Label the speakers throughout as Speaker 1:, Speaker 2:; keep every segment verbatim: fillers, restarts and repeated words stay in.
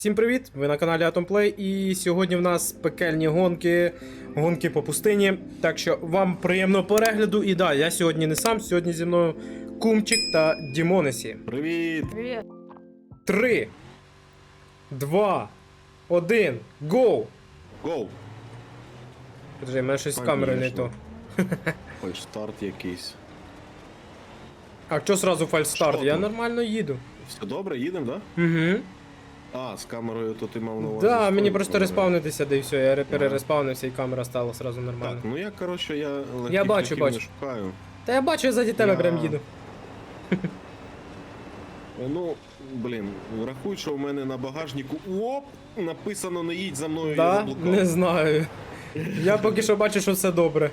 Speaker 1: Всім привіт! Ви на каналі AtomPlay, і сьогодні в нас пекельні гонки, гонки по пустині. Так що вам приємного перегляду. І да, я сьогодні не сам, сьогодні зі мною Кумчик та Дімонесі.
Speaker 2: Привіт!
Speaker 3: Привет.
Speaker 1: Три, два, один, гоу!
Speaker 2: Гоу!
Speaker 1: Подожди, в мене щось з камерою не то.
Speaker 2: Ой, старт якийсь.
Speaker 1: А що сразу фальстарт?
Speaker 2: Що
Speaker 1: Я
Speaker 2: там?
Speaker 1: нормально їду.
Speaker 2: Все добре, їдемо, да?
Speaker 1: Угу.
Speaker 2: А, з камерою то ти мав на увазі.
Speaker 1: Да,
Speaker 2: з
Speaker 1: мені
Speaker 2: тою
Speaker 1: просто
Speaker 2: камерою.
Speaker 1: респавнитися, да і все, я
Speaker 2: Ага.
Speaker 1: перереспавнився і камера стала сразу
Speaker 2: Так,
Speaker 1: нормально.
Speaker 2: ну я, коротше, я легких
Speaker 1: Я бачу,
Speaker 2: шляхів
Speaker 1: бачу.
Speaker 2: не шукаю.
Speaker 1: Та я бачу, я ззаді тебе
Speaker 2: Я-
Speaker 1: прям їду.
Speaker 2: Ну, блін, рахуй, що в мене на багажнику оп, написано не їдь за мною, я
Speaker 1: Да?
Speaker 2: заблукав.
Speaker 1: Не знаю. Я поки що бачу, що все добре.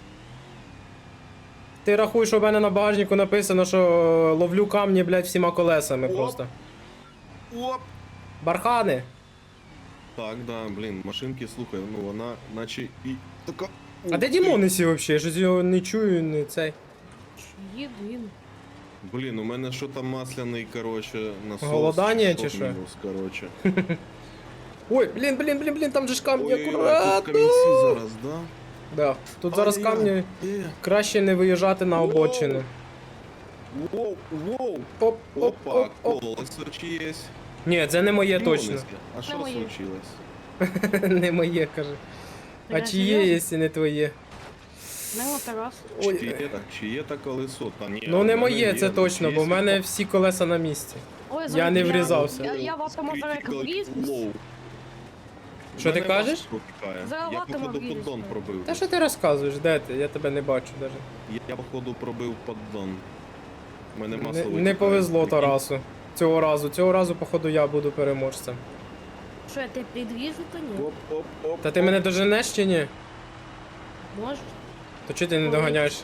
Speaker 1: Ти рахуй, що в мене на багажнику написано, що ловлю камні, блядь, всіма колесами
Speaker 2: Оп.
Speaker 1: просто.
Speaker 2: Оп!
Speaker 1: Бархани!
Speaker 2: Так, да, блін, машинки, слухай, ну вона наче і така...
Speaker 1: А де Дімонесі взагалі? Я ж його не чую, не цей.
Speaker 3: Їду, їду.
Speaker 2: Блін, у мене що там масляний, короче, насос.
Speaker 1: Голодання чи
Speaker 2: що?
Speaker 1: що?
Speaker 2: Мінус, короче.
Speaker 1: Ой, блін, блін, блін, блін, там же ж камні,
Speaker 2: Ой-ой-ой, тут
Speaker 1: акуратно!
Speaker 2: камінці зараз, да?
Speaker 1: Да. Тут зараз
Speaker 2: Ай-яй-яй.
Speaker 1: камні,
Speaker 2: Е,
Speaker 1: краще не виїжджати на
Speaker 2: Воу.
Speaker 1: обочини.
Speaker 2: Воу, воу.
Speaker 1: Оп, оп,
Speaker 2: Опа,
Speaker 1: оп, оп.
Speaker 2: колесо чиєсь.
Speaker 1: Ні, це не моє точно.
Speaker 2: Дімонеське. А що
Speaker 3: моє.
Speaker 2: случилось?
Speaker 1: Не моє, каже. А
Speaker 3: Така
Speaker 1: чиє,
Speaker 3: серйозно?
Speaker 1: якщо не твоє?
Speaker 3: Нема Тарас.
Speaker 1: Ой.
Speaker 2: Чиє так, чиє так колесо? Та ні,
Speaker 1: Ну
Speaker 2: в
Speaker 1: не
Speaker 2: мене
Speaker 1: моє,
Speaker 2: є,
Speaker 1: це
Speaker 2: ну,
Speaker 1: точно, бо в
Speaker 2: чиєсь
Speaker 1: мене
Speaker 2: і
Speaker 1: всі колеса на місці.
Speaker 3: Ой,
Speaker 1: Я не врізався.
Speaker 3: Я, я в автомобілях
Speaker 2: Critical
Speaker 3: вріз.
Speaker 2: low.
Speaker 1: Що ти
Speaker 2: Мене
Speaker 1: кажеш?
Speaker 2: масло тікає.
Speaker 3: За
Speaker 2: Я
Speaker 3: латом
Speaker 2: походу
Speaker 3: обрізали.
Speaker 2: поддон пробив.
Speaker 1: Та що ти розказуєш, де ти? Я тебе не бачу навіть.
Speaker 2: Я походу пробив поддон. У мене масло
Speaker 1: Не,
Speaker 2: витікає.
Speaker 1: не повезло
Speaker 2: Прикинь.
Speaker 1: Тарасу. Цього разу. Цього разу, походу, я буду переможцем.
Speaker 3: Що, я тебе підвізу, то ні?
Speaker 2: Оп, оп, оп.
Speaker 1: Та ти мене доженеш чи ні?
Speaker 3: Може?
Speaker 1: То чого ти не
Speaker 3: Ой.
Speaker 1: доганяєш?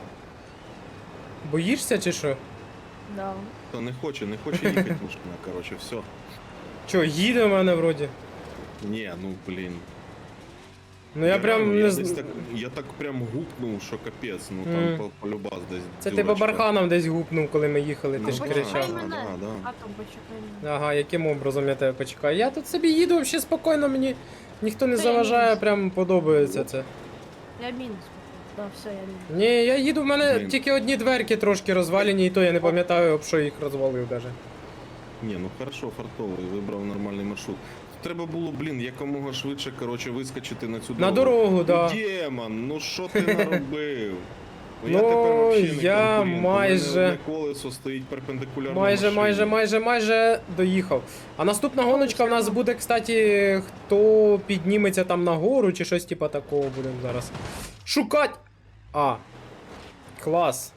Speaker 1: Боїшся чи що?
Speaker 3: Да.
Speaker 2: Та не хоче, не хоче їхати машина, короче, все.
Speaker 1: Чо, їде в мене вроді?
Speaker 2: Ні, ну блін.
Speaker 1: Ну я прям
Speaker 2: реально,
Speaker 1: не
Speaker 2: я
Speaker 1: з...
Speaker 2: десь так, я так прям гукнув, що капець, ну
Speaker 1: Мгм.
Speaker 2: там по, полюбас десь.
Speaker 1: Це ти по
Speaker 2: дюрочка.
Speaker 1: барханам десь гупнув, коли ми їхали, ти
Speaker 2: Ну,
Speaker 1: ж
Speaker 2: да,
Speaker 1: кричав.
Speaker 3: Почекай
Speaker 2: да,
Speaker 3: мене.
Speaker 2: да, да.
Speaker 3: А там почекай мене.
Speaker 1: Ага, яким образом я тебе почекаю? Я тут собі їду взагалі спокійно, мені ніхто не
Speaker 3: Та я
Speaker 1: заважає,
Speaker 3: мінус.
Speaker 1: прям подобається це.
Speaker 3: Я мінус. Да, все, я мінус.
Speaker 1: Ні, я їду, в мене
Speaker 2: Блін.
Speaker 1: тільки одні дверки трошки розвалені, і то я не пам'ятаю, об що їх розвалив даже.
Speaker 2: Ні, ну хорошо, фартовий, вибрав нормальний маршрут. Треба було, блін, якомога швидше, короче, вискочити на цю дорогу.
Speaker 1: На дорогу, да.
Speaker 2: Ну, Демон, ну що ти наробив?
Speaker 1: Ну,
Speaker 2: я тепер вообще не
Speaker 1: я
Speaker 2: конкурент,
Speaker 1: майже-
Speaker 2: у мене одне колесо стоїть перпендикулярно
Speaker 1: Майже,
Speaker 2: машині.
Speaker 1: майже, майже, майже доїхав. А наступна гоночка в нас буде, кстати, хто підніметься там нагору чи щось типа такого будемо зараз шукати. А. Клас.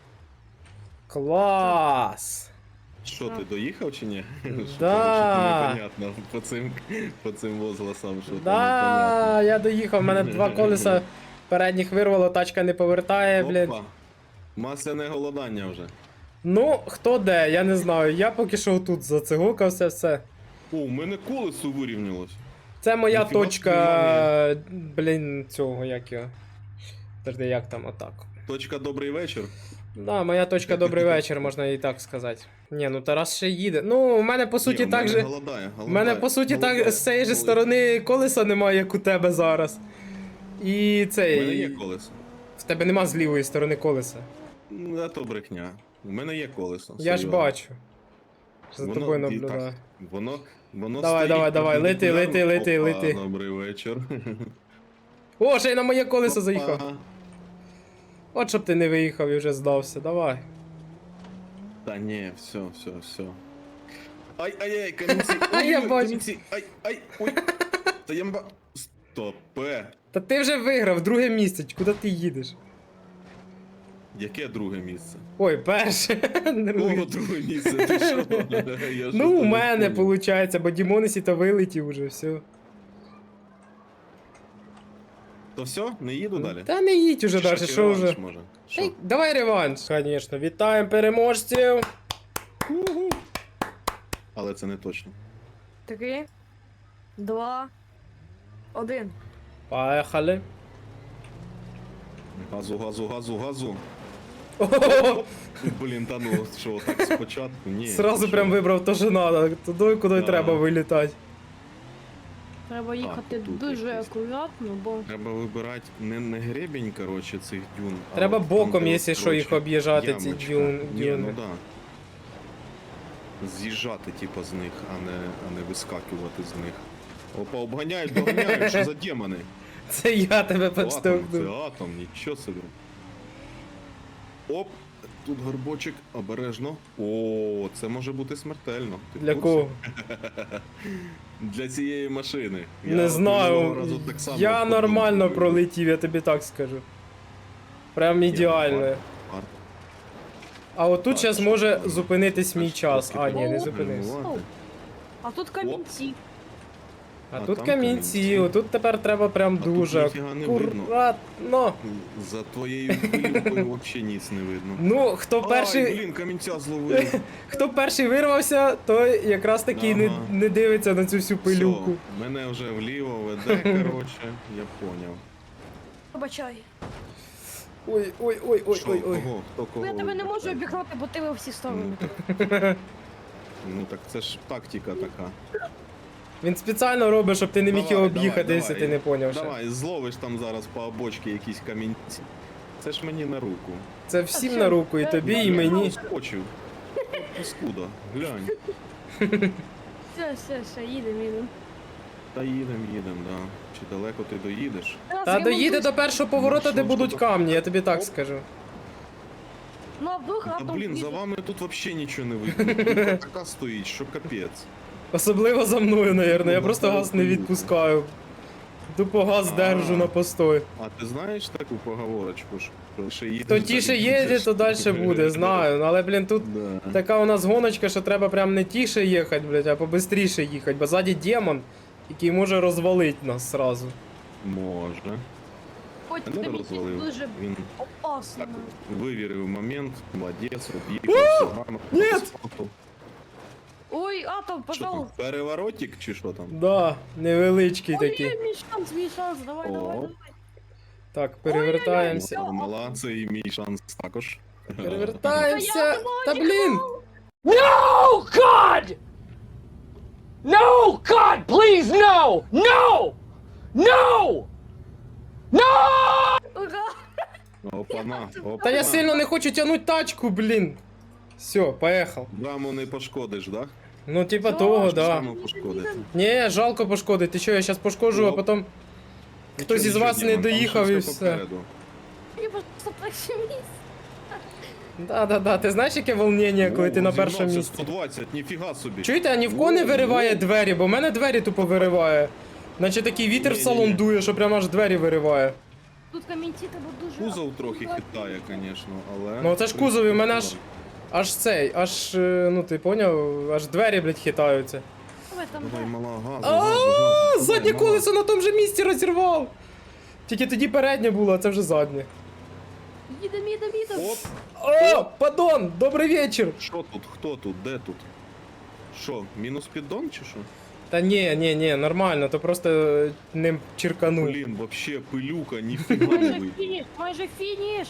Speaker 1: Клас.
Speaker 2: Що, ти доїхав чи ні? Що
Speaker 1: Да.
Speaker 2: там, що там непонятно по цим, по цим возгласам, що там
Speaker 1: Да, я доїхав, в мене два колеса передніх вирвало, тачка не повертає, блін.
Speaker 2: непонятно. Опа. Масляне голодання вже.
Speaker 1: Ну, хто де, я не знаю. Я поки що тут зацигукався, все.
Speaker 2: О, у мене колесо вирівнялось.
Speaker 1: Це моя
Speaker 2: Ніфіга
Speaker 1: точка. Блін, цього, як його. Подожди, як там отак.
Speaker 2: Точка добрий вечір.
Speaker 1: Да, моя точка добрий вечір, можна і так сказати. Ні, ну Тарас ще їде. Ну, у мене по суті
Speaker 2: Ні, у
Speaker 1: так
Speaker 2: мене
Speaker 1: же.
Speaker 2: голодає,
Speaker 1: У
Speaker 2: голодає,
Speaker 1: мене по суті
Speaker 2: голодає,
Speaker 1: так з цієї ж
Speaker 2: голодає.
Speaker 1: сторони колеса немає, як у тебе зараз. І
Speaker 2: У
Speaker 1: цей.
Speaker 2: мене є колесо.
Speaker 1: В тебе нема з лівої сторони колеса.
Speaker 2: Ну, а то брехня. У мене є колесо.
Speaker 1: Я ж
Speaker 2: серйозно.
Speaker 1: бачу. За
Speaker 2: Воно-
Speaker 1: тобою
Speaker 2: і
Speaker 1: наблюдаю.
Speaker 2: так, Воно, воно
Speaker 1: Давай,
Speaker 2: стоїть
Speaker 1: давай, давай, лети, лети, лети,
Speaker 2: Опа,
Speaker 1: лети.
Speaker 2: Добрий вечір.
Speaker 1: О, ще й на моє колесо заїхав.
Speaker 2: Опа.
Speaker 1: От щоб ти не виїхав і вже здався, давай.
Speaker 2: Та ні, все, все, все. Ай, ай, ай, камінці.
Speaker 1: А я
Speaker 2: Ой,
Speaker 1: бачу.
Speaker 2: камінці. Ай, ай, ой. Та я мба... Стопе.
Speaker 1: Та ти вже виграв, друге місце, куди ти їдеш?
Speaker 2: Яке друге місце?
Speaker 1: Ой, перше. Друге.
Speaker 2: О, друге місце, ти що? Я
Speaker 1: Ну, у
Speaker 2: щось
Speaker 1: мене
Speaker 2: не понял.
Speaker 1: виходить, бо Дімонесі то вилетів уже, все.
Speaker 2: То все, не їду далі?
Speaker 1: Та не їдь уже
Speaker 2: Чи
Speaker 1: далі,
Speaker 2: ще
Speaker 1: що
Speaker 2: реванш
Speaker 1: вже.
Speaker 2: може?
Speaker 1: Та
Speaker 2: Що?
Speaker 1: й давай реванш. Звісно, вітаємо переможців.
Speaker 2: Уху. Але це не точно.
Speaker 3: Три, два, один.
Speaker 1: Поїхали.
Speaker 2: Газу, газу, газу, газу.
Speaker 1: О-хо-хо.
Speaker 2: Блін, та ну що, так спочатку? Ні.
Speaker 1: Сразу
Speaker 2: що?
Speaker 1: прям вибрав то, що треба, туди, куди
Speaker 2: Да.
Speaker 1: треба вилітати.
Speaker 3: Треба їхати
Speaker 2: тут
Speaker 3: дуже
Speaker 2: якийсь.
Speaker 3: акуратно, бо
Speaker 2: Треба вибирати не, не гребінь, коротше, цих дюн. а
Speaker 1: Треба
Speaker 2: от
Speaker 1: боком,
Speaker 2: там, де,
Speaker 1: якщо що, їх
Speaker 2: коротше,
Speaker 1: об'їжджати, ці
Speaker 2: ямочка.
Speaker 1: дюн-
Speaker 2: Ні,
Speaker 1: дюни.
Speaker 2: ну да. З'їжджати, типу, з них, а не, а не вискакувати з них. Опа, обганяють, доганяють, що за демони?
Speaker 1: Це я тебе
Speaker 2: Атом, це
Speaker 1: підштовхнув.
Speaker 2: атом, нічого собі. Оп, тут горбочок, обережно. О, це може бути смертельно. Ти в
Speaker 1: Для
Speaker 2: курсі?
Speaker 1: кого?
Speaker 2: Для цієї машини. Я
Speaker 1: Не
Speaker 2: от минулого
Speaker 1: знаю.
Speaker 2: разу так само
Speaker 1: Я
Speaker 2: подумав.
Speaker 1: нормально пролетів, я тобі так скажу. Прям ідеально.
Speaker 2: Варто.
Speaker 1: А отут
Speaker 2: Так,
Speaker 1: зараз
Speaker 2: що
Speaker 1: може
Speaker 2: там?
Speaker 1: зупинитись мій
Speaker 2: Трошки
Speaker 1: час. А, ні, не
Speaker 3: О,
Speaker 1: зупинився.
Speaker 2: гальмувати.
Speaker 3: а тут камінці.
Speaker 1: А
Speaker 2: А
Speaker 1: тут
Speaker 2: там
Speaker 1: камінці,
Speaker 2: камінці.
Speaker 1: отут тепер треба прям
Speaker 2: А тут
Speaker 1: дуже
Speaker 2: ніфіга не видно.
Speaker 1: акуратно.
Speaker 2: За твоєю хвилюкою взагалі ніц не видно.
Speaker 1: Ну, хто
Speaker 2: Ай,
Speaker 1: перший,
Speaker 2: блін, камінця зловив.
Speaker 1: хто перший вирвався, той якраз таки не,
Speaker 2: Ага.
Speaker 1: не дивиться на цю всю пилюку.
Speaker 2: Все, мене вже вліво веде, коротше, я поняв.
Speaker 3: Пробачай.
Speaker 1: Ой, ой, ой, ой,
Speaker 2: Що,
Speaker 1: ой, ой.
Speaker 2: кого? Хто
Speaker 3: Ну
Speaker 2: кого?
Speaker 3: я тебе не можу
Speaker 2: вибирає?
Speaker 3: обігнати, бо ти ви всі сторони.
Speaker 2: Ну, Ну так це ж тактика така.
Speaker 1: Він спеціально робить, щоб ти не міг
Speaker 2: Давай,
Speaker 1: його
Speaker 2: давай,
Speaker 1: об'їхати, якщо
Speaker 2: давай.
Speaker 1: ти не поняв ще.
Speaker 2: Давай, зловиш там зараз по обочці якісь камінці. Це ж мені на руку.
Speaker 1: Це всім
Speaker 3: А
Speaker 1: на
Speaker 3: що?
Speaker 1: руку, і тобі, і
Speaker 3: Я
Speaker 1: мені.
Speaker 2: Скочив. Паскуда, глянь.
Speaker 3: Все, все, все, їдемо, їдемо.
Speaker 2: Та їдем, їдем, да. Чи далеко ти доїдеш?
Speaker 1: Та доїде до першого поворота, де
Speaker 2: що ж
Speaker 1: будуть
Speaker 2: тут?
Speaker 1: камні, я тобі так
Speaker 2: Оп.
Speaker 1: скажу.
Speaker 3: Ну, а вдруг
Speaker 2: Та
Speaker 3: раптом
Speaker 2: блін, за
Speaker 3: їде.
Speaker 2: вами тут взагалі нічого не видно. Тут така стоїть, що капець.
Speaker 1: Особливо за мною, навірно. Я
Speaker 2: Ну,
Speaker 1: просто
Speaker 2: так,
Speaker 1: газ не
Speaker 2: так.
Speaker 1: відпускаю. Тупо газ
Speaker 2: А.
Speaker 1: держу на постой.
Speaker 2: А ти знаєш таку поговорочку, що ще їдеш?
Speaker 1: Хто тіше
Speaker 2: далі
Speaker 1: їде,
Speaker 2: їдеш?
Speaker 1: то далі буде, знаю. Ну, але, блін, тут
Speaker 2: Да.
Speaker 1: така у нас гоночка, що треба прям не тіше їхати, блядь, а побистріше їхати, бо ззаді демон, який може розвалити нас сразу.
Speaker 2: Може.
Speaker 3: Хоч
Speaker 2: Мене
Speaker 3: тобі
Speaker 2: розвалив.
Speaker 3: дуже
Speaker 2: Він
Speaker 3: опасно.
Speaker 2: так вивірив момент, молодець, об'їхав, все гарно.
Speaker 1: Ні!
Speaker 3: Ой, атом,
Speaker 2: Що там,
Speaker 3: пожалуйста.
Speaker 2: переворотик чи що там?
Speaker 1: Да, невеличкий
Speaker 3: Ой,
Speaker 1: такий.
Speaker 3: ой, мій шанс, мій шанс, давай,
Speaker 2: О.
Speaker 3: давай, давай.
Speaker 1: Так, перевертаємося.
Speaker 2: Мала, це і мій шанс також.
Speaker 1: Перевертаємося. Та блін!
Speaker 4: No, God! No, God, please, no! No! No! No!
Speaker 3: Ура!
Speaker 2: Опана, опана.
Speaker 1: Та я сильно не хочу тягнути тачку, блін. Все, поїхав.
Speaker 2: Браму не пошкодиш, да?
Speaker 1: Ну, типа
Speaker 3: Що?
Speaker 1: того,
Speaker 3: Що
Speaker 1: да.
Speaker 2: Браму пошкодити.
Speaker 1: Ні, жалко пошкодити. Ти що, я зараз пошкоджу, а
Speaker 2: Ну.
Speaker 1: потім хтось із
Speaker 2: Нічого,
Speaker 1: вас
Speaker 2: нічого,
Speaker 1: не
Speaker 2: Дімон, там
Speaker 1: доїхав
Speaker 2: ще
Speaker 1: і
Speaker 2: все
Speaker 1: все.
Speaker 2: попереду.
Speaker 3: Мені просто перше місце.
Speaker 1: Да-да-да, ти знаєш, яке волнення, коли ти
Speaker 2: О,
Speaker 1: на
Speaker 2: зігнався
Speaker 1: першому місці?
Speaker 2: сто двадцять, ніфіга собі.
Speaker 1: Чуєте, а ні в кого не
Speaker 2: О,
Speaker 1: вириває
Speaker 2: о.
Speaker 1: двері, бо в мене двері тупо вириває. Наче такий вітер в
Speaker 2: Ні-ні-ні.
Speaker 1: салон дує, що прямо аж двері вириває.
Speaker 3: Тут камінці треба дуже...
Speaker 2: Кузов трохи хитає, звісно, але...
Speaker 1: Ну це ж кузов, і в мене аж, аж цей, аж, е, ну ти поняв, аж двері, блядь, хитаються.
Speaker 3: Давай там,
Speaker 2: Давай,
Speaker 3: де?
Speaker 2: мала, газу,
Speaker 1: А,
Speaker 2: газу, газу.
Speaker 1: заднє
Speaker 2: Давай, мала.
Speaker 1: колесо на тому же місці розірвав. Тільки тоді переднє було, а це вже заднє.
Speaker 3: Їдем, їдем, їдем.
Speaker 2: Оп,
Speaker 1: О, падон, добрий вечір.
Speaker 2: що тут, хто тут, де тут? Що, мінус піддон чи що?
Speaker 1: Та ні, ні, ні, нормально, то просто е, ним черканув.
Speaker 2: Блін, вообще пилюка, ніфіга не
Speaker 3: Майже
Speaker 2: видно.
Speaker 3: фініш, майже фініш.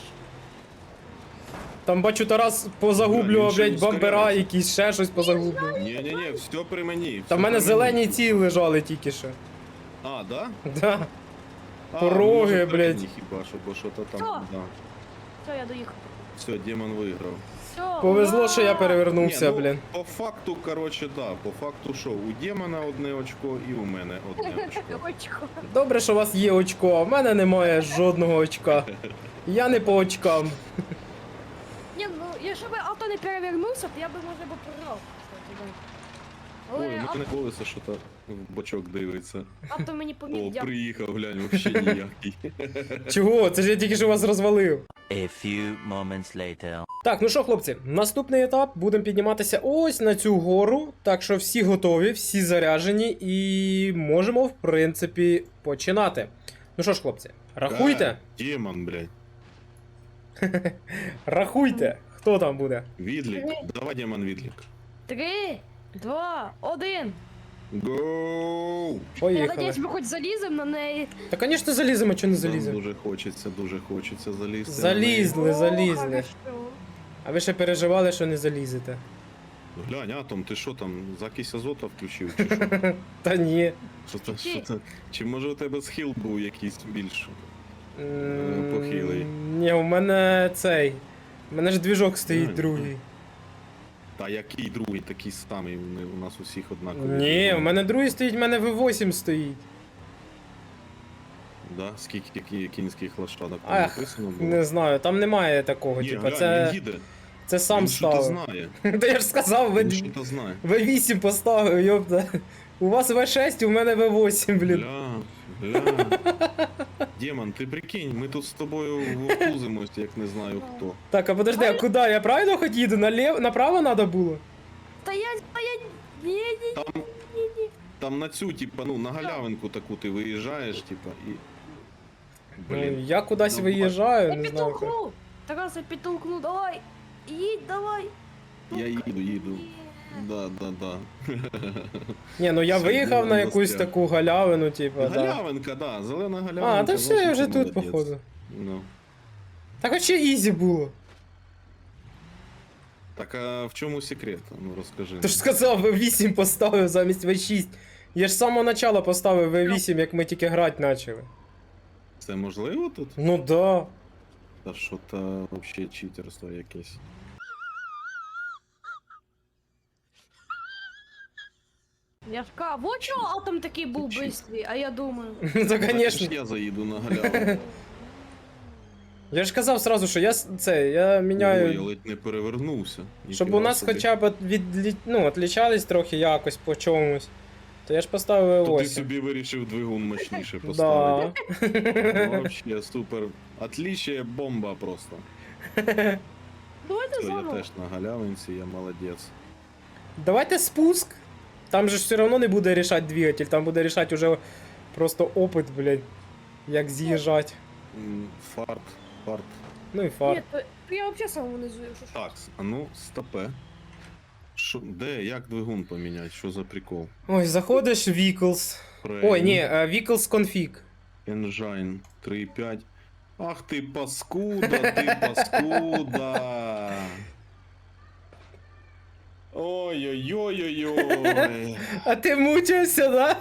Speaker 1: Там бачу, Тарас позагублював,
Speaker 2: Бля, він
Speaker 1: блядь,
Speaker 2: ще
Speaker 1: бампера,
Speaker 2: ускоряється.
Speaker 1: якісь ще щось позагублював.
Speaker 2: Ні-ні-ні, все при мені.
Speaker 1: Та в
Speaker 2: все
Speaker 1: мене
Speaker 2: при
Speaker 1: зелені
Speaker 2: мені.
Speaker 1: ці лежали тільки що.
Speaker 2: А, да?
Speaker 1: Да.
Speaker 2: А,
Speaker 1: Пороги,
Speaker 2: ну, може,
Speaker 1: блядь.
Speaker 2: передні хіба що, бо що то там,
Speaker 3: Що?
Speaker 2: да.
Speaker 3: Все, я доїхав.
Speaker 2: Все, демон виграв.
Speaker 3: Все,
Speaker 1: Повезло,
Speaker 3: ура!
Speaker 1: що я перевернувся,
Speaker 2: Ні, ну,
Speaker 1: блін.
Speaker 2: По факту, короче, да, по факту що, у демона одне очко і у мене одне очко.
Speaker 3: Очко.
Speaker 1: Добре, що у вас є очко, а в мене немає жодного очка. Я не по очкам.
Speaker 3: Ні, ну, якщо б авто не перевернувся, то я би, може, би програв. кстати, да.
Speaker 2: Ой,
Speaker 3: Але
Speaker 2: у мене
Speaker 3: авто,
Speaker 2: колесо що-то в бочок дивиться.
Speaker 3: авто мені поміг,
Speaker 2: О,
Speaker 3: дякую.
Speaker 2: приїхав, глянь, вообще ніякий.
Speaker 1: Чого? Це ж я тільки що вас розвалив.
Speaker 5: A few moments later.
Speaker 1: Так, ну що, хлопці, наступний етап. Будемо підніматися ось на цю гору. Так що всі готові, всі заряджені і можемо, в принципі, починати. Ну що ж, хлопці, рахуйте.
Speaker 2: Да, демон, блядь.
Speaker 1: Рахуйте, хто там буде.
Speaker 2: Відлік. Давай, демон, відлік.
Speaker 3: Три, два, один.
Speaker 2: Гоу!
Speaker 3: Я
Speaker 1: Поїхали.
Speaker 3: надіюсь, ми хоч заліземо на неї.
Speaker 1: Та, звісно, заліземо, чи не
Speaker 2: Нам
Speaker 1: заліземо.
Speaker 2: дуже хочеться, дуже хочеться залізти.
Speaker 1: Залізли,
Speaker 3: О,
Speaker 1: залізли.
Speaker 3: хорошо.
Speaker 1: А ви ще переживали, що не залізете.
Speaker 2: Глянь, Атом, ти що там, закись азота включив чи що?
Speaker 1: Та ні.
Speaker 2: Що то,
Speaker 3: Чи-
Speaker 2: що то, чи може у тебе схил був якийсь більш?
Speaker 1: М,
Speaker 2: похилий.
Speaker 1: Ні, у мене цей. У мене ж двіжок стоїть
Speaker 2: Ай,
Speaker 1: другий.
Speaker 2: Та який другий, такий самий, вони у нас усіх однакові.
Speaker 1: Ні, у мене другий стоїть, у мене ві вісім стоїть.
Speaker 2: Да? Скільки кі- кінських лошадок там
Speaker 1: Ах,
Speaker 2: написано було?
Speaker 1: не знаю, там немає такого,
Speaker 2: Ні,
Speaker 1: типа,
Speaker 2: глянь,
Speaker 1: це,
Speaker 2: він їде.
Speaker 1: це сам
Speaker 2: Він що-то
Speaker 1: ставив.
Speaker 2: знає.
Speaker 1: Та я ж сказав,
Speaker 2: Він
Speaker 1: ві
Speaker 2: що-то знає.
Speaker 1: вісім поставив, йопта. У вас ві шість, у мене ві вісім, блін.
Speaker 2: Бля, бля. Демон, ти прикинь, ми тут з тобою вовтузимось, як не знаю хто.
Speaker 1: Так, а подожди, а куди? Я правильно хоч їду? Налев... Направо треба було?
Speaker 3: Стоять, стоять! Ні, ні,
Speaker 2: Там,
Speaker 3: ні, ні.
Speaker 2: там на цю, типа, ну, на галявинку таку ти виїжджаєш, типа, і.
Speaker 1: Ну,
Speaker 2: Блін.
Speaker 1: я кудись
Speaker 2: Ну,
Speaker 1: виїжджаю,
Speaker 3: Я
Speaker 1: не знаю. як.
Speaker 3: підтолкну! Тарас, я підтолкну, давай! Їдь, давай!
Speaker 2: Я їду, їду.
Speaker 3: Ні.
Speaker 2: Да, да, да.
Speaker 1: Ні, ну я
Speaker 2: Все,
Speaker 1: виїхав
Speaker 2: Діма
Speaker 1: на якусь
Speaker 2: застряг.
Speaker 1: таку галявину, типа, да.
Speaker 2: Галявинка, да, зелена галявинка.
Speaker 1: А, та все, я
Speaker 2: значить,
Speaker 1: вже
Speaker 2: ти
Speaker 1: тут,
Speaker 2: молодець.
Speaker 1: походу.
Speaker 2: Ну.
Speaker 1: Так а ще ізі було.
Speaker 2: Так а в чому секрет? Ну розкажи.
Speaker 1: Ти ж сказав, ві вісім поставив замість ві шість. Я ж з самого начала поставив ві вісім, як ми тільки грати почали.
Speaker 2: Це можливо тут?
Speaker 1: Ну да.
Speaker 2: Та що то взагалі читерство якесь.
Speaker 3: Я ж кажу, вот чого атом такий був
Speaker 2: Чи-
Speaker 3: бистрий, а я думаю.
Speaker 1: Ну то
Speaker 2: Так,
Speaker 1: звісно.
Speaker 2: ж я заїду на галявину.
Speaker 1: Я ж казав сразу, що я с- це, я
Speaker 2: Ой, я
Speaker 1: міняю.
Speaker 2: ледь не перевернувся.
Speaker 1: Щоб у
Speaker 2: Ніфіга
Speaker 1: нас
Speaker 2: собі.
Speaker 1: хоча б від, ну, отлічались трохи якось по чомусь. То я ж поставив
Speaker 2: То
Speaker 1: ві
Speaker 2: ти
Speaker 1: вісім.
Speaker 2: собі вирішив двигун мощніше
Speaker 1: Да.
Speaker 2: поставити. Ну, вообще супер. Отличие бомба просто.
Speaker 3: Давайте
Speaker 2: Все, я
Speaker 3: заново.
Speaker 2: теж на галявинці, я молодець.
Speaker 1: Давайте спуск. Там же ж все одно не буде рішати двигатель, там буде рішати уже просто опит, блядь. Як з'їжджати.
Speaker 2: М, Фарт, фарт.
Speaker 1: Ну і
Speaker 3: Ні,
Speaker 1: фар.
Speaker 3: то, то я взагалі сам внизу, якщо що.
Speaker 2: Так, а ну, стопе. Шо, де, як двигун поміняти? Що за прикол?
Speaker 1: Ой, заходиш в Vehicles. Ой, ні, е, Vehicles Config.
Speaker 2: Engine три п'ять. Ах ти паскуда, ти паскуда. Ой-ой-ой-ой-ой.
Speaker 1: А ти мучився, да?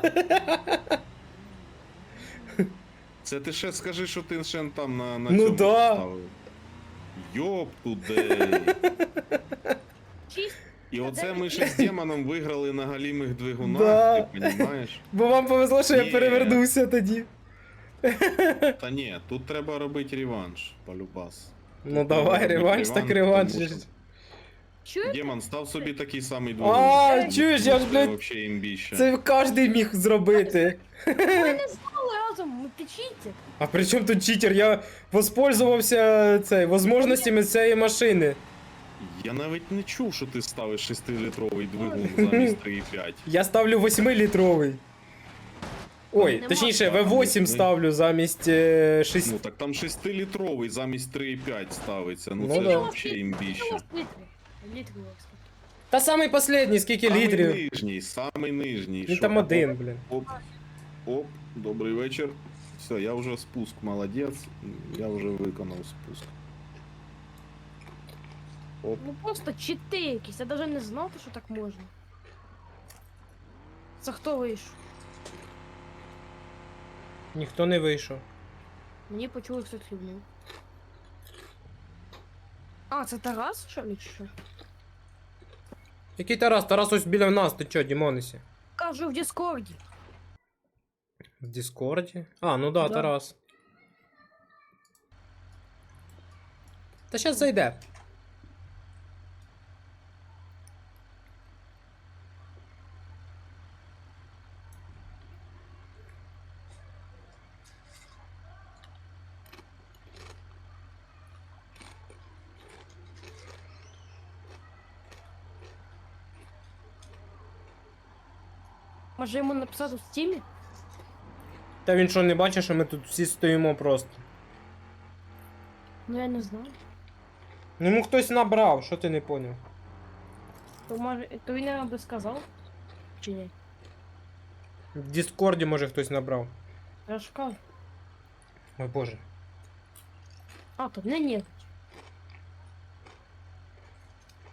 Speaker 2: Це ти ще скажи, що ти ще там на, на
Speaker 1: Ну
Speaker 2: цьому
Speaker 1: да.
Speaker 2: поставив. Йоп тудей.
Speaker 3: Чист.
Speaker 2: І оце ми ще з демоном виграли на галімих двигунах,
Speaker 1: Да.
Speaker 2: ти розумієш?
Speaker 1: Бо вам повезло, що я
Speaker 2: Ні.
Speaker 1: перевернувся тоді.
Speaker 2: Та ні, тут треба робити реванш, полюбас.
Speaker 1: Ну
Speaker 2: Тут
Speaker 1: давай,
Speaker 2: треба
Speaker 1: реванш,
Speaker 2: робити
Speaker 1: так реванш.
Speaker 2: тому що-
Speaker 3: Чуєте?
Speaker 2: Демон, став собі такий самий двигун.
Speaker 1: А, чуєш, я ж,
Speaker 2: Це
Speaker 1: блядь,
Speaker 2: вообще імбіще.
Speaker 1: це кожен міг зробити.
Speaker 3: Ми не знали разом, ми печіться.
Speaker 1: А при чому тут читер? Я воспользувався цей, возможностями цієї машини.
Speaker 2: Я навіть не чув, що ти ставиш шестилітровий двигун замість три і п'ять.
Speaker 1: Я ставлю восьмилітровий. Ой,
Speaker 3: Нема.
Speaker 1: точніше, ві вісім ставлю замість е, шість.
Speaker 2: Ну так там шестилітровий замість три і п'ять ставиться. Ну,
Speaker 1: Ну
Speaker 2: це
Speaker 1: да.
Speaker 2: ж вообще імбіще.
Speaker 3: Літрів. Літрів, кстати.
Speaker 1: Та самий последній, скільки
Speaker 2: Самий
Speaker 1: літрів.
Speaker 2: нижній, самий нижній.
Speaker 1: Він
Speaker 2: Що?
Speaker 1: там один, блін.
Speaker 2: Оп, оп, добрий вечір. Все, я вже спуск, молодець. Я вже виконав спуск. Оп.
Speaker 3: Ну просто чити якісь, я навіть не знав, що так можна. Це хто вийшов?
Speaker 1: Ніхто не вийшов.
Speaker 3: Мені почули хтось хлібнув. А, це Тарас, що ли, чи що?
Speaker 1: Який Тарас? Тарас ось біля нас, ти чо, Дімонесі?
Speaker 3: Кажу в Діскорді.
Speaker 1: В Діскорді? А, ну да,
Speaker 3: Да.
Speaker 1: Тарас. Та щас зайде.
Speaker 3: Може йому написати в стімі?
Speaker 1: Та він що, не бачить, що ми тут всі стоїмо просто.
Speaker 3: Ну я не знаю.
Speaker 1: Ну йому хтось набрав, що ти не поняв?
Speaker 3: То може. То він нам би сказав? Чи ні?
Speaker 1: В Діскорді, може, хтось набрав.
Speaker 3: Я ж кажу.
Speaker 1: Ой боже.
Speaker 3: А, то не ні.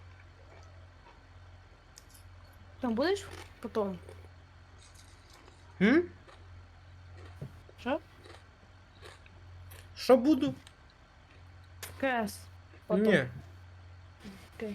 Speaker 3: Там будеш потом?
Speaker 1: М?
Speaker 3: Що?
Speaker 1: Що буду?
Speaker 3: КС. Потом.
Speaker 1: Ні.
Speaker 3: Окей.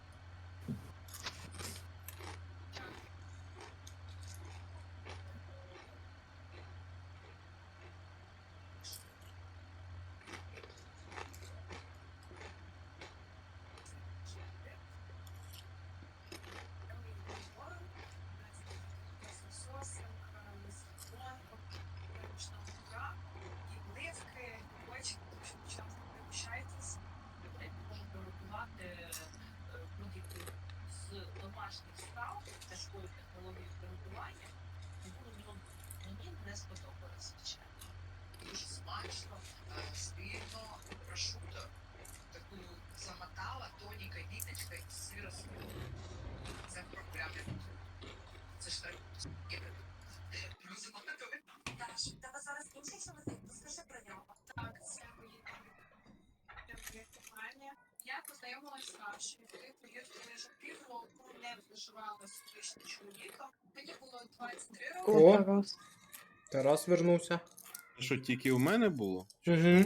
Speaker 6: домашніх страв тяжкої технології приготування, ну, мені не сподобалось, звичайно. Дуже смачно, е, сильно, прошуто, таку замотала, тоніка, віточка і сира з Це проблеми. Це ж так.
Speaker 7: Тебе зараз інший чоловік, розкажи про нього.
Speaker 6: Так, це мої моє кохання. Я познайомилася з Сашою, коли повірте, вже півроку не виживала з колишнім чоловіком. Мені було двадцять три роки.
Speaker 1: О.
Speaker 3: О, Тарас.
Speaker 1: Тарас вернувся.
Speaker 2: Що тільки у мене було?
Speaker 1: Угу.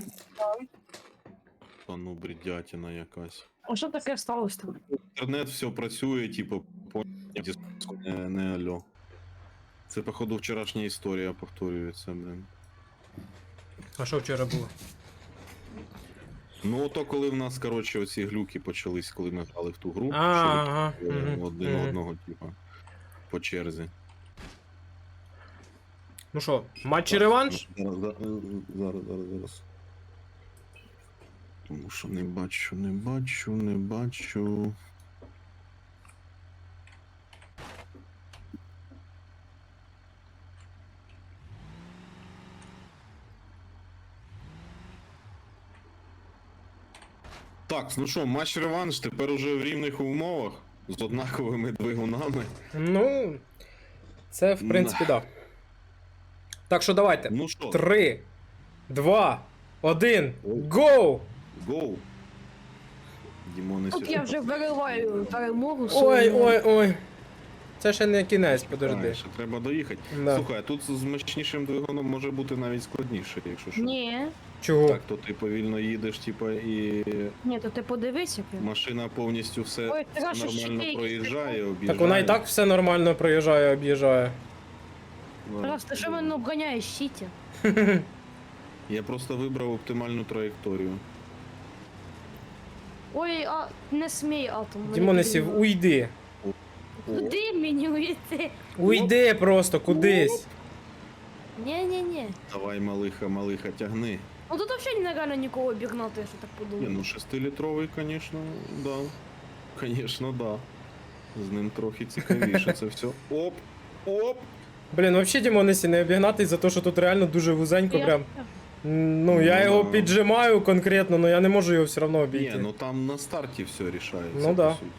Speaker 2: Та ну бредятина якась.
Speaker 3: А що таке сталося там?
Speaker 2: Інтернет все працює, типу, по не, не алло. Це, походу, вчорашня історія повторюється, блин.
Speaker 1: А що вчора було?
Speaker 2: Ну, ото коли в нас, коротше, оці глюки почались, коли ми грали в ту гру,
Speaker 1: А, ага,
Speaker 2: що
Speaker 1: мгм,
Speaker 2: один
Speaker 1: мгм.
Speaker 2: одного, типу, по черзі.
Speaker 1: Ну що, матч і реванш?
Speaker 2: Зараз, зараз, зараз, зараз, зараз. Тому що не бачу, не бачу, не бачу. Так, ну що, матч реванш тепер уже в рівних умовах з однаковими двигунами.
Speaker 1: Ну, це в принципі, так. Да. Так що давайте.
Speaker 2: Ну що,
Speaker 1: Три, два, один,
Speaker 2: Ой.
Speaker 1: гоу!
Speaker 2: гоу. Дімони
Speaker 3: Тут я
Speaker 2: сюди.
Speaker 3: вже вириваю перемогу.
Speaker 1: Ой,
Speaker 3: свою.
Speaker 1: ой, ой. Це ще не кінець, подожди.
Speaker 2: А, ще треба доїхати.
Speaker 1: Да.
Speaker 2: Слухай, а тут з мощнішим двигуном може бути навіть складніше, якщо що.
Speaker 3: Ні,
Speaker 1: Чого?
Speaker 2: Так, то ти повільно їдеш, типа, і
Speaker 3: ні, то ти подивись, як він.
Speaker 2: машина повністю все
Speaker 3: Ой, трошечки
Speaker 2: нормально
Speaker 3: якісь
Speaker 2: проїжджає, об'їжджає.
Speaker 1: Так вона і так все нормально проїжджає, об'їжджає.
Speaker 2: Да.
Speaker 3: Тарас, ти що мене обганяєш, щиті?
Speaker 2: Я просто вибрав оптимальну траєкторію.
Speaker 3: Ой, а не смій атом. мене
Speaker 1: Дімонесів,
Speaker 3: підіймає.
Speaker 1: уйди.
Speaker 3: Куди мені уйти?
Speaker 1: Уйди просто кудись.
Speaker 3: Ні-ні-ні.
Speaker 2: Давай, малиха, малиха, тягни.
Speaker 3: Ну тут взагалі нереально нікого обігнати, я що так
Speaker 2: Ні,
Speaker 3: подумав.
Speaker 2: ну шестилітровий, звісно, да. Звісно, да. З ним трохи цікавіше це все. Оп! Оп!
Speaker 1: Блін, взагалі Дімонесі не обігнати за те, що тут реально дуже вузенько
Speaker 3: Я-
Speaker 1: прям. Ну, я
Speaker 2: Ну,
Speaker 1: його
Speaker 2: да.
Speaker 1: піджимаю конкретно, але я не можу його все одно
Speaker 2: Ні,
Speaker 1: обійти.
Speaker 2: ну там на старті все рішається,
Speaker 1: Ну
Speaker 2: по
Speaker 1: да.
Speaker 2: суті.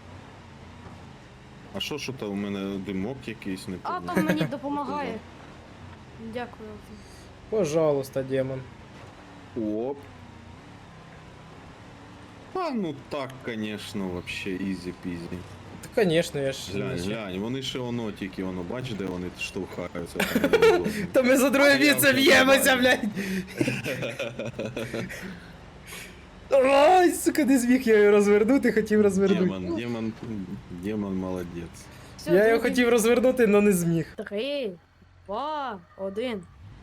Speaker 2: А що, що то у мене димок якийсь не
Speaker 3: Атом мені допомагає. Дякую. Атом.
Speaker 1: Пожалуйста, демон.
Speaker 2: Оп. А, ну так, конечно, вообще ізі-пізі.
Speaker 1: Та, звісно, я ж.
Speaker 2: Глянь, глянь, вони ще воно тільки, воно, бач, де вони штовхаються. Там внизу.
Speaker 1: Та ми за друге
Speaker 2: А я
Speaker 1: місце
Speaker 2: вже
Speaker 1: б'ємося,
Speaker 2: нормально.
Speaker 1: блядь. Ай, сука, не зміг я його розвернути, хотів розвернути.
Speaker 2: Демон, демон, демон молодець.
Speaker 3: Все,
Speaker 1: Я його
Speaker 3: друзі.
Speaker 1: хотів розвернути, але не зміг.
Speaker 3: Три, два, один.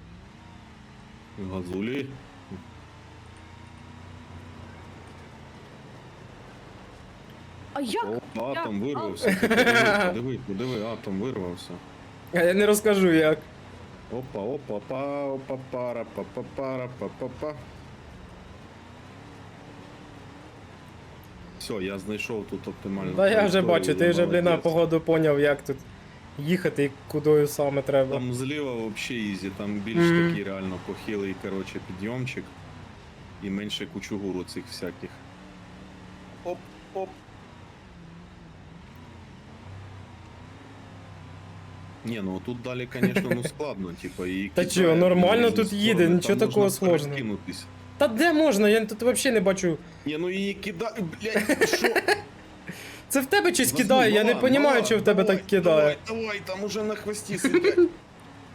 Speaker 2: Газулі.
Speaker 3: А як?
Speaker 2: О, атом вирвався. Ти Подиви, подиви, подиви, атом вирвався.
Speaker 1: А я не розкажу як.
Speaker 2: Опа, опа, па, опа, пара, па, па, пара, па, па, па. Все, я знайшов тут оптимальну.
Speaker 1: Та я вже
Speaker 2: траєкторію,
Speaker 1: бачу, ти
Speaker 2: я
Speaker 1: вже, блін, на
Speaker 2: молодець.
Speaker 1: погоду поняв, як тут їхати і кудою саме треба.
Speaker 2: Там зліва вообще ізі, там більш
Speaker 1: Мгм.
Speaker 2: такий реально похилий, короче, підйомчик. І менше кучугуру цих всяких. Оп, оп. Ні, ну тут далі, звісно, ну складно, типа, і
Speaker 1: Та
Speaker 2: кидає
Speaker 1: чого, нормально
Speaker 2: в різні
Speaker 1: тут їде,
Speaker 2: сторони,
Speaker 1: нічого
Speaker 2: там
Speaker 1: такого
Speaker 2: можна
Speaker 1: сложного.
Speaker 2: перекинутись.
Speaker 1: Та де можна? Я тут взагалі не бачу.
Speaker 2: Ні, ну її кидає, блядь, що?
Speaker 1: Це в тебе щось
Speaker 2: Возьми,
Speaker 1: кидає, я не
Speaker 2: мала,
Speaker 1: розумію,
Speaker 2: мала,
Speaker 1: що в тебе
Speaker 2: давай,
Speaker 1: так кидає.
Speaker 2: Давай, давай, там уже на хвості сидять.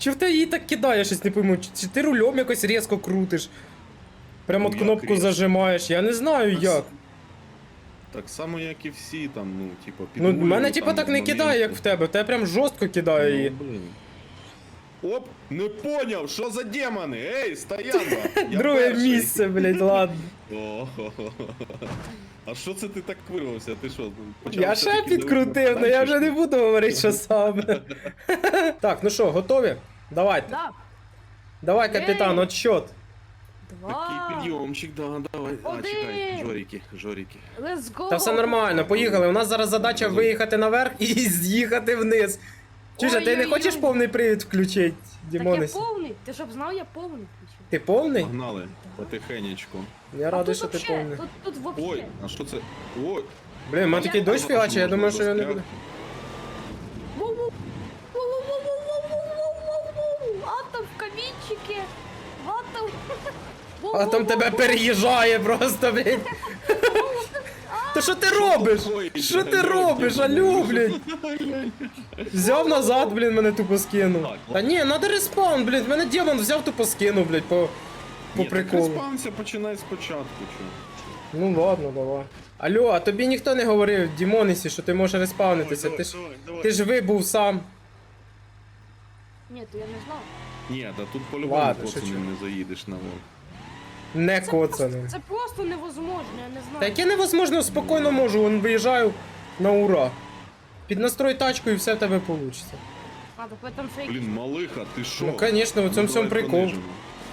Speaker 1: Чи в тебе її так кидає, щось не пойму? Чи, чи ти рулем якось різко крутиш? Прямо от
Speaker 2: Ну, як
Speaker 1: кнопку
Speaker 2: різко?
Speaker 1: зажимаєш, я не знаю
Speaker 2: Та
Speaker 1: як.
Speaker 2: Так само, як і всі там, ну, типу,
Speaker 1: Ну, в мене
Speaker 2: підрулюю
Speaker 1: типа
Speaker 2: там
Speaker 1: так не
Speaker 2: моменти.
Speaker 1: кидає, як в тебе, в тебе прям жорстко кидає її.
Speaker 2: Ну, блін. Оп, не поняв, що за демони? Ей, стоянка! Я
Speaker 1: Друге
Speaker 2: перший.
Speaker 1: місце, блядь, ладно.
Speaker 2: О, а що це ти так вирвався? Ти що? почав
Speaker 1: Я
Speaker 2: все-таки
Speaker 1: ще підкрутив,
Speaker 2: дивитися
Speaker 1: але я
Speaker 2: далі,
Speaker 1: вже
Speaker 2: чи
Speaker 1: не
Speaker 2: що?
Speaker 1: буду говорити, що саме. Так, ну що, готові? Давайте.
Speaker 3: Да.
Speaker 1: Давай, капітан,
Speaker 3: Ей.
Speaker 1: отсчет.
Speaker 2: Такий
Speaker 3: Два.
Speaker 2: підйомчик, да, давай. А,
Speaker 3: Один.
Speaker 2: чекай, жоріки, жоріки.
Speaker 3: Let's go.
Speaker 1: Та все нормально, поїхали. У нас зараз задача виїхати наверх і з'їхати вниз. Чуєш, а ти не
Speaker 3: Ой-ой-ой.
Speaker 1: хочеш повний привід включити,
Speaker 3: Так я
Speaker 1: Дімонесі?
Speaker 3: повний. Ти щоб знав, я повний включив.
Speaker 1: Ти повний?
Speaker 2: Погнали, потихенечку.
Speaker 1: Я
Speaker 3: А
Speaker 1: радий,
Speaker 3: тут
Speaker 1: що ти
Speaker 3: вообще,
Speaker 1: повний.
Speaker 3: Тут, тут вообще.
Speaker 2: Ой, а що це? Ой,
Speaker 1: Блін, у мене такий дощ фігачить, я думаю, що я не буду.
Speaker 3: Воу-воу. Воу-воу-воу-воу-воу-воу-воу-воу. Атом в камінчики. Атом.
Speaker 1: А там тебе переїжджає просто, блін. Та що ти робиш?
Speaker 2: такое?
Speaker 1: Що ти
Speaker 2: Алло,
Speaker 1: робиш,
Speaker 2: Діма,
Speaker 1: алло,
Speaker 2: ну,
Speaker 1: блін? Взяв назад, блін, мене тупо скинув.
Speaker 2: Так,
Speaker 1: Та ні, надо респаун, блін, мене демон взяв, тупо скинув, блядь, по, по
Speaker 2: Ні, так
Speaker 1: приколу.
Speaker 2: респаунся, починай спочатку, чо.
Speaker 1: Ну ладно, давай. Алло, а тобі ніхто не говорив, Дімонесі, що ти можеш респаунитися, ти ж, ти ж вибув сам.
Speaker 3: Ні, то я не знав.
Speaker 2: Ні, та тут по-любому
Speaker 1: Ладно,
Speaker 2: коцаним
Speaker 1: шучу.
Speaker 2: не заїдеш наверх.
Speaker 1: Не
Speaker 3: Це просто,
Speaker 1: коцаним.
Speaker 3: це просто невозможно, я не знаю.
Speaker 1: Та яке невозможно, спокійно можу, вон виїжджаю на ура. Піднастрой тачку і все в тебе вийде.
Speaker 3: А, так в этом фейк.
Speaker 2: Блін, малиха, ти що?
Speaker 1: Ну, конечно, у цьому
Speaker 2: Ну,
Speaker 1: всьому
Speaker 2: давай
Speaker 1: прикол.
Speaker 2: понижимо.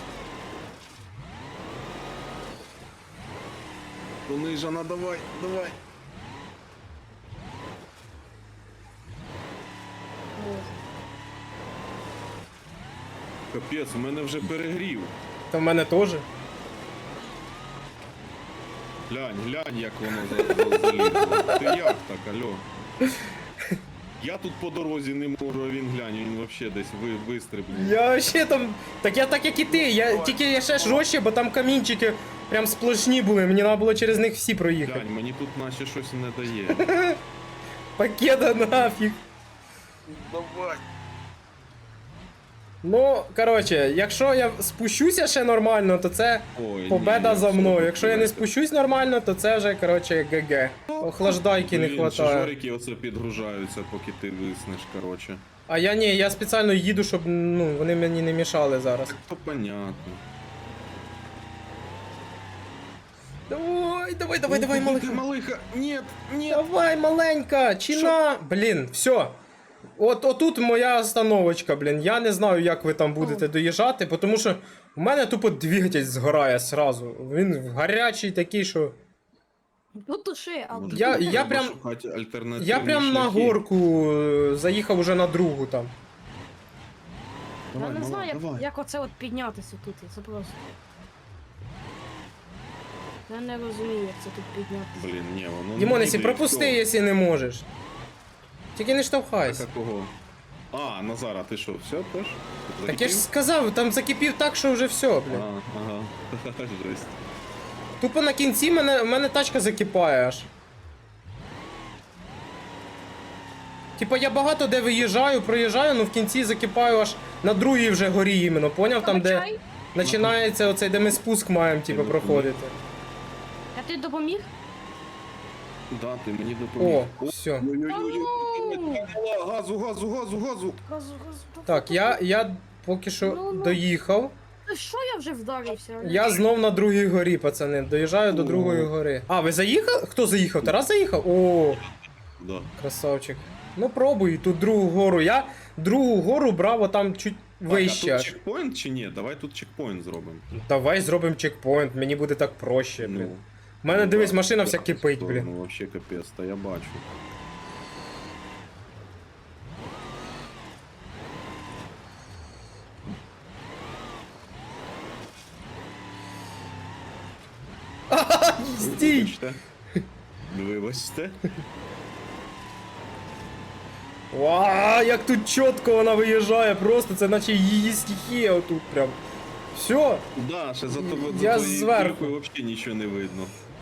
Speaker 2: Понижена, давай, давай. Капець, у мене вже перегрів.
Speaker 1: Та в мене теж.
Speaker 2: Глянь, глянь, як воно за- за- залізло. Ти як так, алло? Я тут по дорозі не можу, а він глянь, він вообще десь ви, вистрибнув.
Speaker 1: Я ще там. Так я так як і ти, я тільки я ще жорстче, бо там камінчики прям сплошні були, мені треба було через них всі проїхати.
Speaker 2: Глянь, мені тут наче щось не дає.
Speaker 1: Пакета нафіг.
Speaker 2: Давай.
Speaker 1: Ну, коротше, якщо я спущуся ще нормально, то це
Speaker 2: Ой,
Speaker 1: победа
Speaker 2: ні,
Speaker 1: за
Speaker 2: все,
Speaker 1: мною. Якщо я не
Speaker 2: так.
Speaker 1: спущусь нормально, то це вже, коротше, ГГ. Охлаждайки не
Speaker 2: Блін, ще
Speaker 1: хватає.
Speaker 2: жорики оце підгружаються, поки ти виснеш, коротше.
Speaker 1: А я ні, я спеціально їду, щоб ну, вони мені не мішали зараз.
Speaker 2: То понятно.
Speaker 1: Давай, давай, давай, давай,
Speaker 2: Ой,
Speaker 1: малиха.
Speaker 2: ти, малиха. Нет, нет.
Speaker 1: Давай, маленька, чина. Блін, все. От отут моя остановочка, блін. Я не знаю, як ви там будете доїжджати, тому що у мене тупо двигатель згорає сразу. Він гарячий такий, що.
Speaker 3: Ну туши, а
Speaker 2: Може,
Speaker 1: Я-
Speaker 2: тут
Speaker 1: я
Speaker 2: треба
Speaker 1: прям-
Speaker 2: шукати альтернативні
Speaker 1: Я прям на
Speaker 2: шляхи?
Speaker 1: горку е, заїхав уже на другу там.
Speaker 3: я
Speaker 2: Давай,
Speaker 3: не
Speaker 2: мала,
Speaker 3: знаю, як,
Speaker 2: давай.
Speaker 3: як оце от піднятися тут. Це просто. Я не розумію, як це тут піднятися.
Speaker 2: Блін, ні, воно не
Speaker 1: Дімонесі,
Speaker 2: їде, і
Speaker 1: пропусти,
Speaker 2: все.
Speaker 1: якщо не можеш. Тільки не
Speaker 2: Так,
Speaker 1: штовхайся.
Speaker 2: а кого? А, Назара, ти що, все теж?
Speaker 1: Так я ж сказав, там закипів так, що вже все, блін.
Speaker 2: А, ага, жесть.
Speaker 1: Тупо на кінці мене, в мене тачка закипає аж. Типа я багато де виїжджаю, проїжджаю, ну в кінці закипаю аж на другій вже горі іменно, поняв? Там де
Speaker 3: Чай?
Speaker 1: починається оцей, де ми спуск маємо, типу,
Speaker 2: Ти
Speaker 1: проходити.
Speaker 3: Я тобі допоміг?
Speaker 2: Да, ти мені допоміг.
Speaker 1: О, все.
Speaker 2: Ой-ой-ой, газу, газу, газу, газу.
Speaker 3: Газу, газу.
Speaker 1: Так, я, я поки що
Speaker 3: Ну, ну.
Speaker 1: доїхав.
Speaker 3: Та що я вже вдарився?
Speaker 1: Я знов на другій горі, пацани. Доїжджаю до
Speaker 2: О.
Speaker 1: другої гори. А, ви заїхали? Хто заїхав? Тарас заїхав? О,
Speaker 2: Да.
Speaker 1: красавчик. Ну пробуй тут другу гору. Я другу гору брав отам чуть
Speaker 2: Так,
Speaker 1: вище.
Speaker 2: а
Speaker 1: аж.
Speaker 2: тут чекпоінт чи ні? Давай тут чекпоінт зробимо.
Speaker 1: Давай зробимо чекпоінт, мені буде так проще, блін.
Speaker 2: Ну,
Speaker 1: У мене
Speaker 2: ну,
Speaker 1: дивись,
Speaker 2: да,
Speaker 1: машина
Speaker 2: в
Speaker 1: вся
Speaker 2: таку
Speaker 1: кипить,
Speaker 2: сторону
Speaker 1: блін.
Speaker 2: Вообще капець, та я бачу.
Speaker 1: Стій!
Speaker 2: Вибачте. Вибачте.
Speaker 1: Ва, як тут чітко вона виїжджає, просто це наче її стихія отут прям. Все,
Speaker 2: Да, ще за тобою
Speaker 1: Я
Speaker 2: за твоєю
Speaker 1: зверху.
Speaker 2: кулькою взагалі нічого не видно.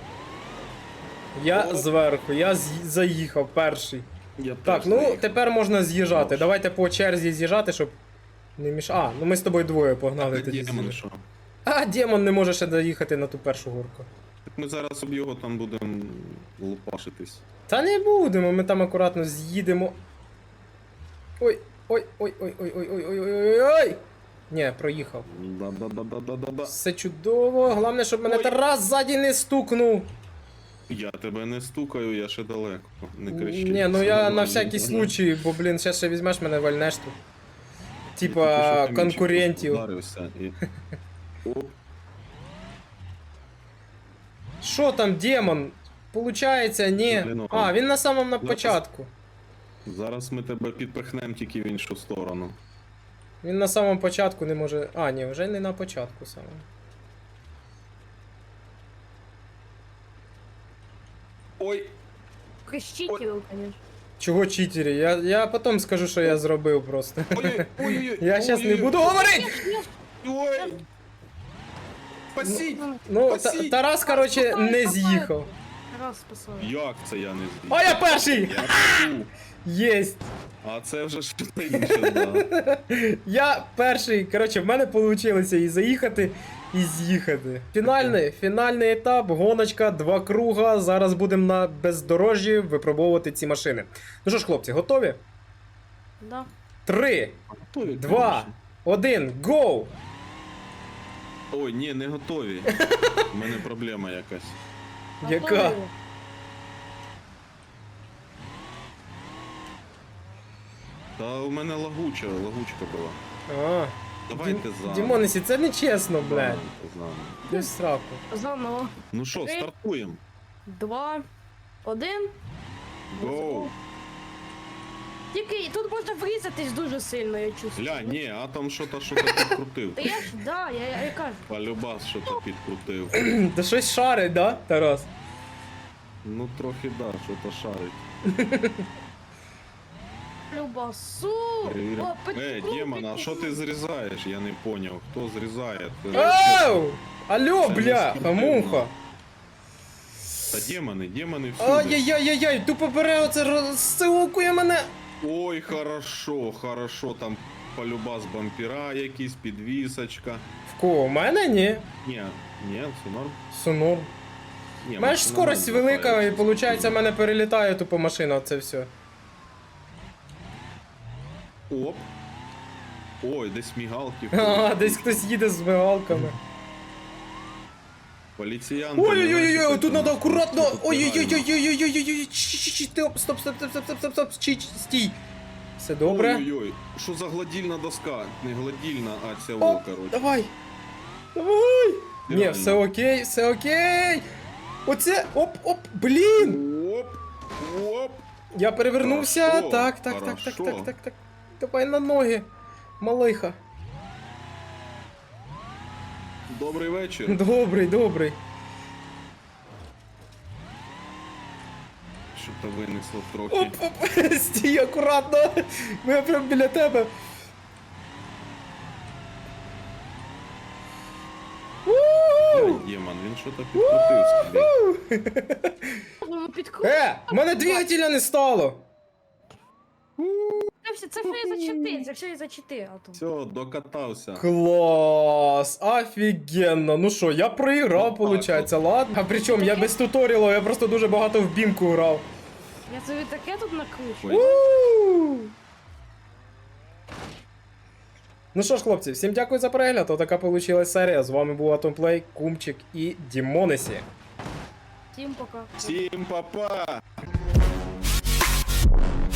Speaker 1: я зверху, я з- заїхав перший.
Speaker 2: Я
Speaker 1: Так,
Speaker 2: теж
Speaker 1: ну
Speaker 2: заїхав.
Speaker 1: тепер можна з'їжджати.
Speaker 2: Добре.
Speaker 1: Давайте по черзі з'їжджати, щоб Не міш... А, ну ми з тобою двоє погнали тоді.
Speaker 2: Демон,
Speaker 1: з'їли.
Speaker 2: що?
Speaker 1: А, демон не може ще доїхати на ту першу горку.
Speaker 2: Так ми зараз об його там будемо лупашитись.
Speaker 1: Та не будемо, ми там акуратно з'їдемо. Ой, ой, ой, ой, ой, ой, ой, ой, ой, ой, ой. Ні, проїхав.
Speaker 2: Да-да-да-да-да-да.
Speaker 1: Все чудово. Головне, щоб мене
Speaker 2: Ой.
Speaker 1: Тарас ззаді не стукнув.
Speaker 2: Я тебе не стукаю, я ще далеко. Не кричи.
Speaker 1: Ні, ну
Speaker 2: Все
Speaker 1: я на
Speaker 2: нормально.
Speaker 1: всякий случай, бо, блін, зараз ще візьмеш мене вальнеш тут.
Speaker 2: Я тільки
Speaker 1: Типа
Speaker 2: що камінчиком
Speaker 1: конкурентів.
Speaker 2: ударився і- Оп.
Speaker 1: Що там, демон? Получається, ні.
Speaker 2: Блін,
Speaker 1: А, він на самому на
Speaker 2: Зараз-
Speaker 1: початку.
Speaker 2: Зараз ми тебе підпихнемо тільки в іншу сторону.
Speaker 1: Він на самому початку не може. А, ні, вже не на початку саме.
Speaker 2: Ой,
Speaker 3: Крещителю, конечно.
Speaker 1: Чого читері? Я, я потім скажу, що я зробив просто.
Speaker 2: ой, ой, ой,
Speaker 1: Я зараз не буду говорити!
Speaker 2: Ой! Спасіть!
Speaker 1: Ну, Та-
Speaker 2: Спасіть!
Speaker 1: Тарас, короче, не з'їхав.
Speaker 3: Раз спасаю.
Speaker 2: Як це я не з'їв?
Speaker 1: А я перший!
Speaker 2: Я п'ю.
Speaker 1: Єсть!
Speaker 2: А це вже що інше, да.
Speaker 1: Я перший, коротше, в мене вийшло і заїхати, і з'їхати. Фінальний, фінальний етап, гоночка, два круга. Зараз будемо на бездорожжі випробовувати ці машини. Ну що ж, хлопці, готові?
Speaker 3: Да.
Speaker 1: Три,
Speaker 2: Готові,
Speaker 1: два,
Speaker 2: конечно.
Speaker 1: один, гоу!
Speaker 2: Ой, ні, не готові. У мене проблема якась.
Speaker 1: Яка?
Speaker 3: Готові?
Speaker 2: Та у мене лагуча, лагучка була.
Speaker 1: А,
Speaker 2: Давайте за.
Speaker 1: Дімонесі, це не чесно, блядь.
Speaker 2: Давайте заново.
Speaker 1: Ти в сраку.
Speaker 3: Заново.
Speaker 2: Ну що,
Speaker 3: Три.
Speaker 2: стартуємо.
Speaker 3: Два. Один.
Speaker 2: Гоу.
Speaker 3: Тільки тут можна врізатись дуже сильно, я чувствую.
Speaker 2: Гля, ні, а там що-то що-то підкрутив.
Speaker 3: Та я ж, да, я, я, я кажу.
Speaker 2: Полюбас що-то підкрутив.
Speaker 1: Та щось шарить, да, Тарас?
Speaker 2: Ну трохи да, що-то шарить.
Speaker 3: Любасу.
Speaker 2: Перевіримо.
Speaker 3: О, під-
Speaker 2: Е, Демон, а що ти зрізаєш? Я не поняв. Хто зрізає? Ти-
Speaker 1: Оу! Алло,
Speaker 2: Це не
Speaker 1: бля,
Speaker 2: спортивно.
Speaker 1: муха.
Speaker 2: Та демони, демони всюди.
Speaker 1: Ай-яй-яй-яй, тупо бере оце розсилкує мене.
Speaker 2: Ой, хорошо, хорошо, там полюбас бампера якісь, підвісочка.
Speaker 1: В кого? У мене ні.
Speaker 2: Ні, ні, це норм.
Speaker 1: Сунур.
Speaker 2: Ні,
Speaker 1: У мене ж
Speaker 2: машина
Speaker 1: скорость
Speaker 2: норм
Speaker 1: велика, і
Speaker 2: катається,
Speaker 1: виходить, в
Speaker 2: спокійно.
Speaker 1: мене перелітає тупо машина, це все.
Speaker 2: Оп. Ой, десь мігалки.
Speaker 1: А, десь хтось їде з мигалками.
Speaker 2: Поліціянти.
Speaker 1: Ой-ой-ой, тут треба акуратно.
Speaker 2: Тут правильно.
Speaker 1: Ой-ой-ой-ой-ой-ой-ой-ой. Стоп, стоп, стоп, стоп, стоп, стоп, стоп, стоп, стій, стій. Все добре?
Speaker 2: Ой-ой-ой, що за гладільна доска? Не гладільна, а ця во,
Speaker 1: Оп,
Speaker 2: коротше.
Speaker 1: давай. Давай. Ні,
Speaker 2: Реально.
Speaker 1: все окей, все окей. Оце, оп, оп, блін.
Speaker 2: Оп, оп.
Speaker 1: Я перевернувся.
Speaker 2: Хорошо,
Speaker 1: Так, так, так, так,
Speaker 2: хорошо.
Speaker 1: так, так, так. Давай на ноги. Малиха.
Speaker 2: Добрий вечір.
Speaker 1: Добрий, добрий.
Speaker 2: Що то винесло трохи.
Speaker 1: Оп, оп, стій акуратно. Ми прям біля тебе.
Speaker 2: Ой, Демон, він що то підкрутив собі.
Speaker 3: Ну, підкрутив.
Speaker 1: Е, в мене двигателя не стало.
Speaker 3: Це все, це все за чити, це все за чити, а то.
Speaker 2: Все, докатався.
Speaker 1: Клас, офігенно. Ну що, я проіграв,
Speaker 2: Ну, так,
Speaker 1: виходить, ладно. А причому я без туторіалу, я просто дуже багато в бімку грав.
Speaker 3: Я собі таке тут накручу.
Speaker 2: Ой.
Speaker 1: У! Ну що ж, хлопці, всім дякую за перегляд. Отака вийшла серія. З вами був Атомплей, Кумчик і Дімонесі.
Speaker 3: Всім пока.
Speaker 2: Всім па-па!